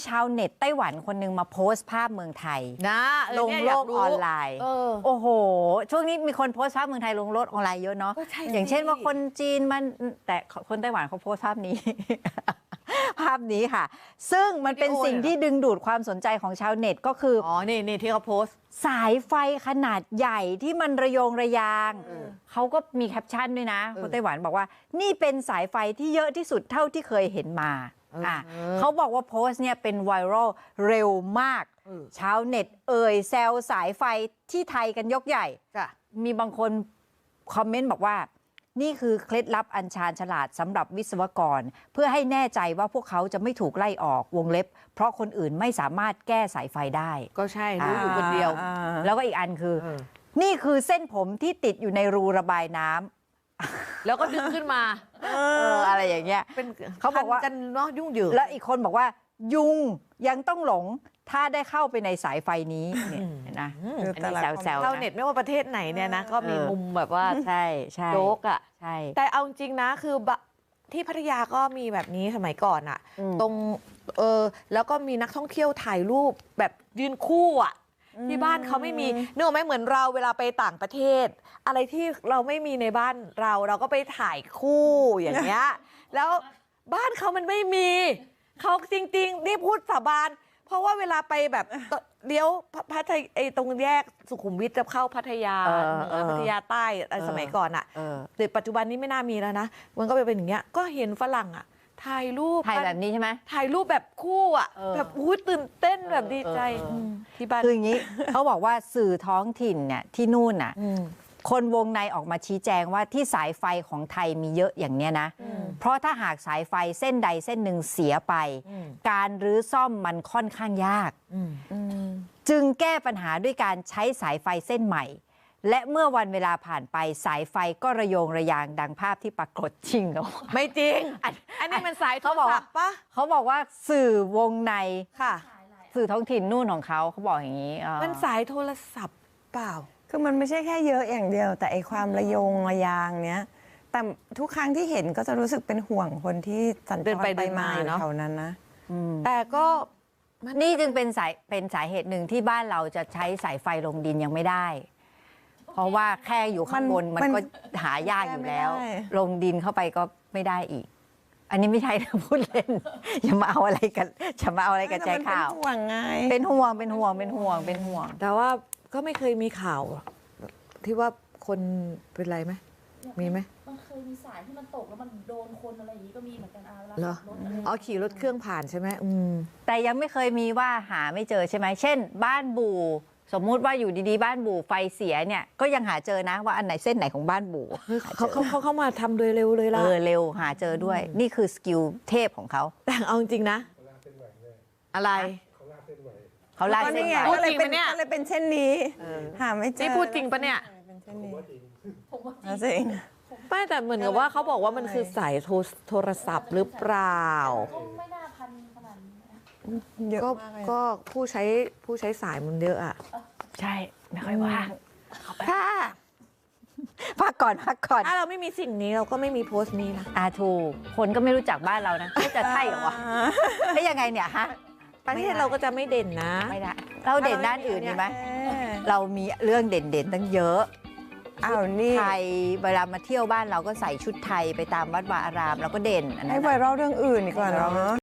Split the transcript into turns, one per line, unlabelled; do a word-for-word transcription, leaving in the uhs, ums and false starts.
ชาวเน็ตไต้หวันคนหนึ่งมาโพสต์ภาพเมืองไทย
นะ
ลงโลกออนไลน์โอ้โหช่วงนี้มีคนโพสต์ภาพเมืองไทยลงโลกออนไลน์เยอะเนาะอย่างเช่นว่าคนจีนมันแต่คนไต้หวันเขาโพสต์ภาพนี้ ภาพนี้ค่ะซึ่งมันเป็นสิ่งที่ดึงดูดความสนใจของชาวเน็ตก็คือ
อ๋อนี่นี่ที่เขาโพสต์
สายไฟขนาดใหญ่ที่มันระโยงระยางเขาก็มีแคปชั่นด้วยนะคนไต้หวันบอกว่านี่เป็นสายไฟที่เยอะที่สุดเท่าที่เคยเห็นมาอ่ะเขาบอกว่าโพสต์เนี่ยเป็นไวรัลเร็วมากชาวเน็ตเอ่ยแซวสายไฟที่ไทยกันยกใหญ่มีบางคนคอมเมนต์บอกว่านี่คือเคล็ดลับอันชาญฉลาดสำหรับวิศวกรเพื่อให้แน่ใจว่าพวกเขาจะไม่ถูกไล่ออกวงเล็บเพราะคนอื่นไม่สามารถแก้สายไฟได้
ก็ใช่รู้อยู่คนเดียว
แล้วก็อีกอันคือนี่คือเส้นผมที่ติดอยู่ในรูระบายน้ำ
แล้วก็ดึงขึ้นมา
เอออะไรอย่างเงี้ย
เป็นเขาบอกว่ากันเนาะยุ่งเหยิง
แล้วอีกคนบอกว่ายุงยังต้องหลงถ้าได้เข้าไปในสายไฟนี้เนี่ยนะอันนี้แซวๆ
ชาวเน็ตไม่ว่าประเทศไหนเนี่ยนะก็มีมุมแบบว่า
ใช่ใช่
โจ๊กอ่ะ
ใช่
แต่เอาจริงนะคือที่พัทยาก็มีแบบนี้สมัยก่อนอ่ะตรงเออแล้วก็มีนักท่องเที่ยวถ่ายรูปแบบยืนคู่อ่ะที่บ้านเขาไม่มีนึกออกไหมเหมือนเราเวลาไปต่างประเทศอะไรที่เราไม่มีในบ้านเราเราก็ไปถ่ายคู่อย่างเงี้ยแล้วบ้านเขามันไม่มีเขาจริงๆนี่พูดสาบานเพราะว่าเวลาไปแบบเลี้ยวพัทยาไอ้ตรงแยกสุขุมวิทจะเข้าพัทยาเหนือพัทยาใต้สมัยก่อนอ่ะแต่ปัจจุบันนี้ไม่น่ามีแล้วนะมันก็เป็นอย่างเงี้ยก็เห็นฝรั่งอ่ะถ่ายรูป
ถ่ายแบบนี้ใช่ไหม
ถ่ายรูปแบบคู่อ่ะแบบอู้ตื่นเต้นแบบดีใจที่บ้าน
คืออย่างนี้ เขาบอกว่าสื่อท้องถิ่นเนี่ยที่นู่นน่ะคนวงในออกมาชี้แจงว่าที่สายไฟของไทยมีเยอะอย่างเนี้ยนะเพราะถ้าหากสายไฟเส้นใดเส้นหนึ่งเสียไปการรื้อซ่อมมันค่อนข้างยากจึงแก้ปัญหาด้วยการใช้สายไฟเส้นใหม่และเมื่อวันเวลาผ่านไปสายไฟก็ระโยงระยางดังภาพที่ปรากฏจริงเหรอ
ไม่จริงอันนี้มันสายโทรศัพท์ปะ
เขาบอกว่าสื่อวงใน
ค่ะ
สื่อท้องถิ่นนู่นของเขาเขาบอกอย่างนี้
มันสายโทรศัพท์เปล่า
คือมันไม่ใช่แค่เยอะอย่างเดียวแต่ไอความระโยงระยางเนี้ยแต่ทุกครั้งที่เห็นก็จะรู้สึกเป็นห่วงคนที่สัญจรไปมาอยู่แถวนั้นนะ
แต่ก็
นี่จึงเป็นสายเป็นสาเหตุหนึ่งที่บ้านเราจะใช้สายไฟลงดินยังไม่ได้เพราะว่าแค่อยู่ข้างบนมันก็หายากอยู่แล้วลงดินเข้าไปก็ไม่ได้อีกอันนี้ไม่ใช่นะพูดเล่นอย่ามาเอาอะไรกันอย่ามาเอาอะไรกันใจข่าว
เป็นห่วงไง
เป็นห่วงเป็นห่วงเป็นห่วงเป็นห่วง
แต่ว่าก็ไม่เคยมีข่าวที่ว่าคนเป็นไรไหมมีไหม
มันเคยมีสายที่มันตกแล้วมันโดนคนอะไรอย่างนี้ก็มีเหมือนกันอาเวลา
ขับรถอ๋อขี่รถเครื่องผ่านใช่ไหมอืม
แต่ยังไม่เคยมีว่าหาไม่เจอใช่ไหมเช่นบ้านบูสมมุติว่าอยู่ดีๆบ้านบูไฟเสียเนี่ยก็ยังหาเจอนะว่าอันไหนเส้นไหนของบ้านบู
เขาเขาเขาเข้ามาทำโดยเร็วเลยล่ะ
เออเร็วหาเจอด้วยนี่คือสกิลเทพของเขา
แต่เอาจริงนะอะไร
เขาลากเส้นไหว
ก็เลยเป็นก็เลยเป็นเช่นนี้หาไม่เจอ
นี่พูดจริงปะเนี่ย
ผมว่า
จริง
ไม่แต่เหมือนกับว่าเขาบอกว่ามันคือสายโทรศัพท์หรือเปล่า
ก็ไม่น่าพันขนาดนี้
ก็ก็ผู้ใช้ผู้ใช้สายมันเยอะอ่ะ
ใช่ไม่ค่อยว่าง
ค่ะ
พักก่อนพักก่อน
ถ้าเราไม่มีสิ่งนี้เราก็ไม่มีโพสต์นี้นะ
อาถูกคนก็ไม่รู้จักบ้านเรานะจะใช่เหรอวะไม่ยังไงเนี่ยฮะ
ประเทศเราก็จะไม่เด่นนะ
ไม่ได้เราเด่นด้านอื่นดีไหมเรามีเรื่องเด่นๆตั้งเยอะ
อ้าวนี่
ไทยเวลามาเที่ยวบ้านเราก็ใส่ชุดไทยไปตามวัดวาอารามเราก็เด่น
ให้ไวรัลเรื่องอื่นดีกว่าเนาะ